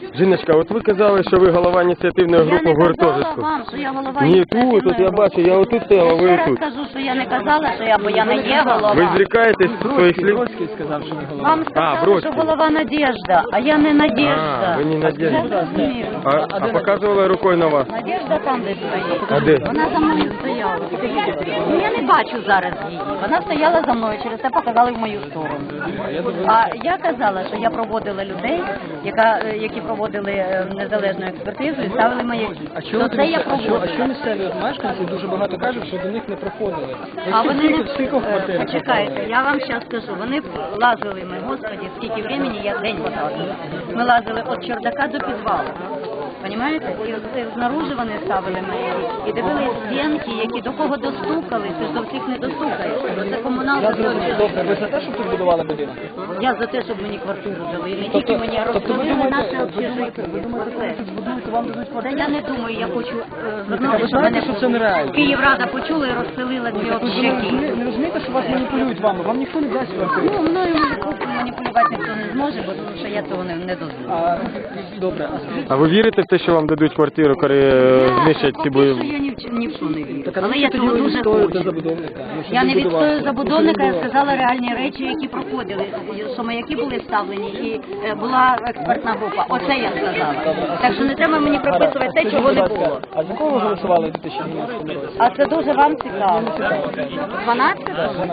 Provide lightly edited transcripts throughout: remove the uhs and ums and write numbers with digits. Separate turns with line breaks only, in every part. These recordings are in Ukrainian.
Жіночка, от ви казали, що ви голова ініціативної групи гуртожитку.
Я не казала вам, що я голова
Ні,
ініціативної
тут я бачу, я отут
Я
стояла, ви
ще раз
тут.
кажу, що я не казала, що я, бо я не є голова.
Ви зрікаєтесь своїх слів?
Бродський сказав, що ви голова.
Вам сказали,
Бродський.
що голова Надежда, а я не Надежда.
А, ви не Надежда.
Я зрозумів.
А показували рукою на вас?
Надежда там десь стоїть.
А де?
Вона за мною стояла. Ну, я не бачу зараз її. Вона стояла за мною, через це показали в мою сторону. А я казала, що я проводила людей, які проводили незалежну експертизу і ставили маяки.
А чому
То це я проводила.
а що місцеві от мешканці дуже багато кажуть, що до них не проходили?
А вони не...
Скільки в квартирах?
Почекайте, я вам зараз скажу. Вони лазили ми, господи, скільки времени, я день потратила. Ми лазили від чердака до підвалу. Понимаєте? І знаружи вони ставили маяки. І дивились стінки, які до кого достукались, ти ж до всіх не достукаєш. Це комуналка.
Добре, ви за те, щоб тут будували будинок?
Я за те, щоб мені квартиру дали. І не тільки мені, а розповіли наше общежиття.
Вам дадуть
Та я не думаю, я хочу
А
звернути,
ви
щоб мене
знаєте, що це нереально?
Київрада почула і розселила дві общаки.
Не розумієте, що вас маніпулюють вами? Вам ніхто не дасть квартиру.
Ну, мною маніпулювати ніхто не зможе, бо тому що я цього не дозволю.
Добре, а скажіть,
А ви вірите в те, що вам дадуть квартиру, коли знищать ці
Поки що
бої?
я ні в що не вірю.
так, а
Але
ви
я
тоді
цього
ви
дуже
відстоюєте
хочу.
забудовника? Ну, щоб
Я
він
не
будував.
відстою забудовника, я
Щоб він
сказала реальні речі, які проходили, що маяки були вставлені і була експертна група. Оце я сказала. Так що не треба мені прописувати те, чого не було.
А за кого ви голосували у 2012 році?
А це дуже вам цікаво. 12?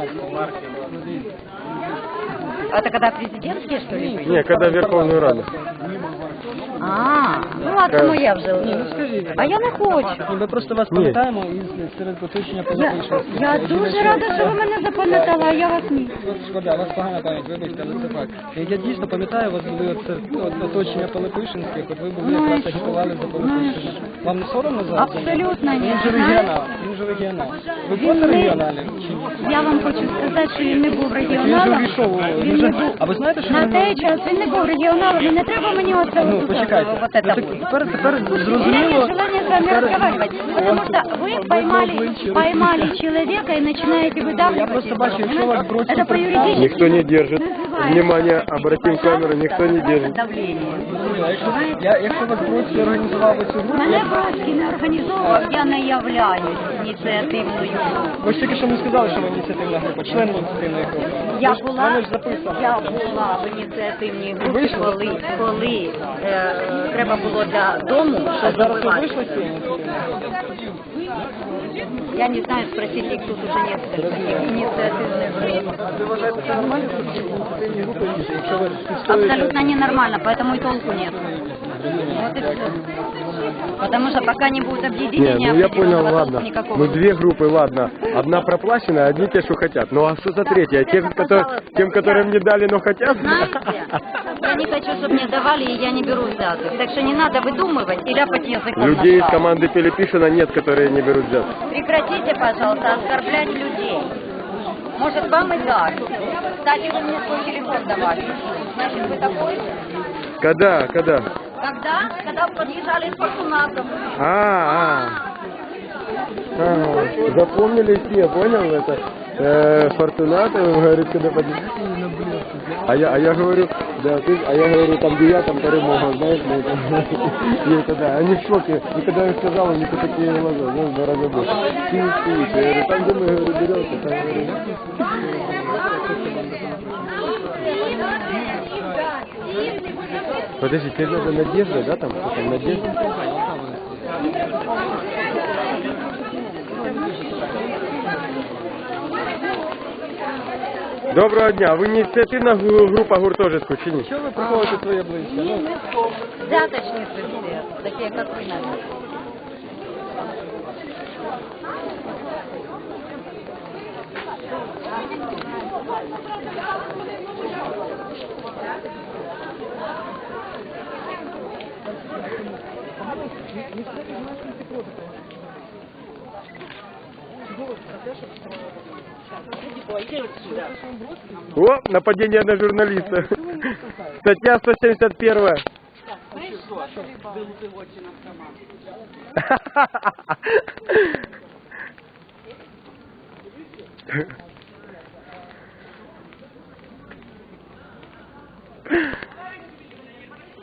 А это когда президентские, что ли?
Ні, коли Верховну Раду.
Ну ладно, ну я вже.
Скажіть.
А я не хочу.
Ні, ми просто вас пам'ятаємо і серед оточення позапишемо.
Я дуже рада, що ви мене запам'ятали, а я вас ні.
Шкода, у вас погана пам'ять, вибачте, але це факт. Я дійсно пам'ятаю, у вас були оточення Пилипишинських, от ви були
Ну, і
якраз
що?
агітували за Пилипишина. Вам не соромно за це?
Абсолютно ні.
Він же регіонал, він же регіонал. Ви були регіоналем чи ні?
Я вам хочу сказати, що він не був
Він же
регіоналом.
увійшов,
Він не був.
а ви знаєте, що
На
він...
той час він не був регіоналом, і не треба мені оце
Ну,
вот
почекайте.
вот
Ну,
это
так
вот.
тепер
У меня
зрозуміло...
нет желания с вами разговаривать, потому что вы поймали человека и начинаете выдавливать.
Я просто бачу, якщо вас Бродський
Это по юридически.
Ніхто не держить. Внимание, обратим камеру, ніхто не держить.
Давление.
Якщо вас Бродський організував цю групу...
Мене Бродський не організовував, я не являюсь ініціативною.
Ви ж тільки що не сказали, що ви ініціативна група, член ініціативної групи.
Я була в ініціативній групі, коли треба було для дому, що
Зараз ви
забивати.
вийшли з цієї ініціативної групи?
Я не знаю, спросить, их тут уже нет таких инициативных групп.
Ви вважаєте, це нормально, що в ініціативній групі, якщо ви відстоюєте...
Абсолютно ненормально, поэтому и толку нет. Вот и все. Потому что пока не будет
Не,
объединения,
ну я понял,
определенного
ладно.
толку никакого.
Мы две группы, ладно. Одна проплаченная, одни те, что хотят. Ну а что за третья? Тем, которым не дали, но хотят?
Знаете, я не хочу, чтобы мне давали, и я не беру взяток. Так что не надо выдумывать и ляпать языком
Людей из
на шаг.
команды Пилипишина нет, которые не берут взятки.
Прекратите, пожалуйста, оскорблять людей. Может, вам и так. Кстати, вы мне свой телефон давали. Значит, вы такой?
Когда?
Когда подъезжали с Фортунатом.
Запомнили все, понял это? Фортунатов, говорит, когда подъезжали. А я говорю, да, я говорю, там где я, там перемога, знаешь, ну, и это да, они в шоке. И когда я сказал, у них такие глаза, знаешь, два раза больше. Ты не спишь, я говорю, там где мы, говорю, берется, там, говорю. Подожди, тебе надо Надежда, да, там Надежда? Доброго дня. Ви ініціативна група гуртожитку чи ні?
Що ви приховуєте своє обличчя? Ну,
Взяточницы все, такие как вы, наверное.
О, нападение на журналиста. Статья 171.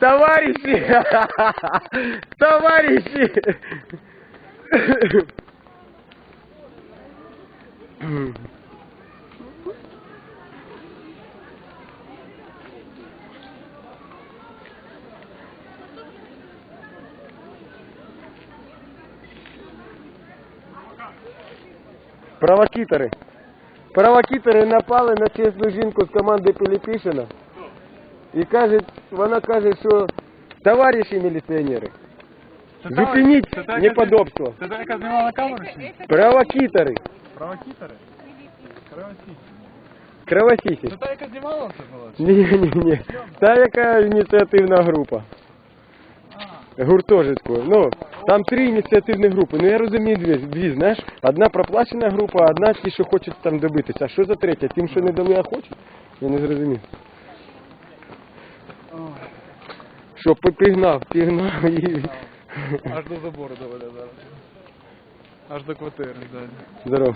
Товарищи! Товарищи! Провокатори. Провокатори напали на чесну жінку з команди Пилипишина. І вона каже, що товариші міліціонери, зупиніть неподобство.
Це та, яка знімала камеру чи ні?
Провокатори.
Провокатори? Кровосісь.
Кровосісі.
Це та, яка знімала це була?
Ні. Та яка ініціативна група. Гуртожитку. Ну, там 3 ініціативні групи. Ну я розумію дві, знаєш. Одна проплачена група, одна ті, що хочуть там добитися. А що за третя? Тим, що не дали, а хочуть? Я не зрозумів. Що, пігнав і...
Аж до забору доведе зараз. Аж до квартири, ззаді.
Здорово.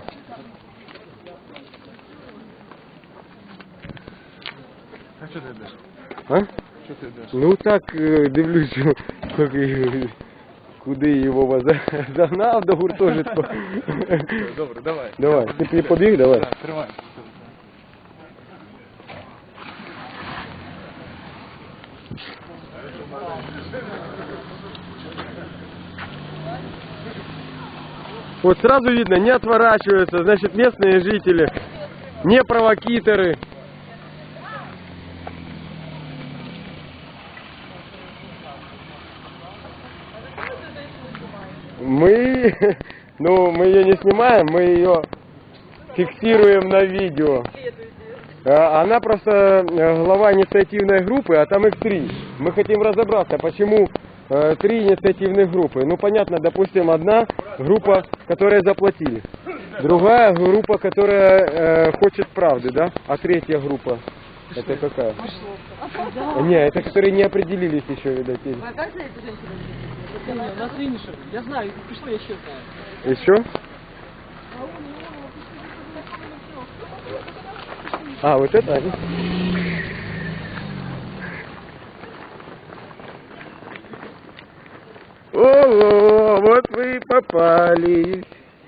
А що ти йдеш?
А?
Що ти йдеш?
Ну так, дивлюсь, куди його загнав до гуртожитку.
Добре, давай.
Давай, ти побіг, давай.
Так, тримай.
Вот сразу видно, не отворачиваются, значит, местные жители, не провокаторы. Мы ее не снимаем, мы ее фиксируем на видео. Она просто глава инициативной группы, а там их 3. Мы хотим разобраться, почему 3 инициативных группы. Ну, понятно, допустим, одна группа, которая заплатили. Другая группа, которая хочет правды, да? А третья группа, это какая? Не, это которые не определились еще, видать.
У нас финишер. Я знаю, пришло, я еще знаю.
Еще? А, вот это они? О, вот вы и попались.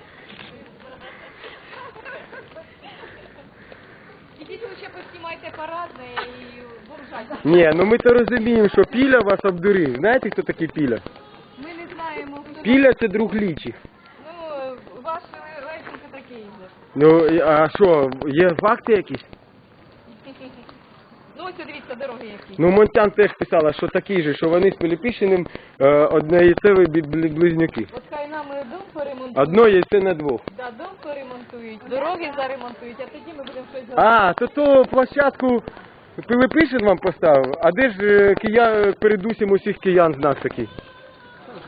Ідіть лише поснімайте парадне і бомжать.
Не, ну ми то розуміємо, що Піля вас обдурив. Знаєте, хто такий Піля?
Ми не знаємо, хто...
Піля це друг Лічих.
Ну, ваш рейтинг такий же.
Ну, а що, є факти якісь?
Ну, ось дивіться, дороги які.
Ну, Монтян теж писала, що такі же, що вони з Пилипишиним однояйцеві близнюки.
От хай нам дом поремонтують.
Одно яйце на двох.
Да, дом поремонтують, дороги заремонтують, а тоді ми будемо щось говорити.
А, то площадку Пилипишин вам поставив, а де ж передусім усіх киян знак такий?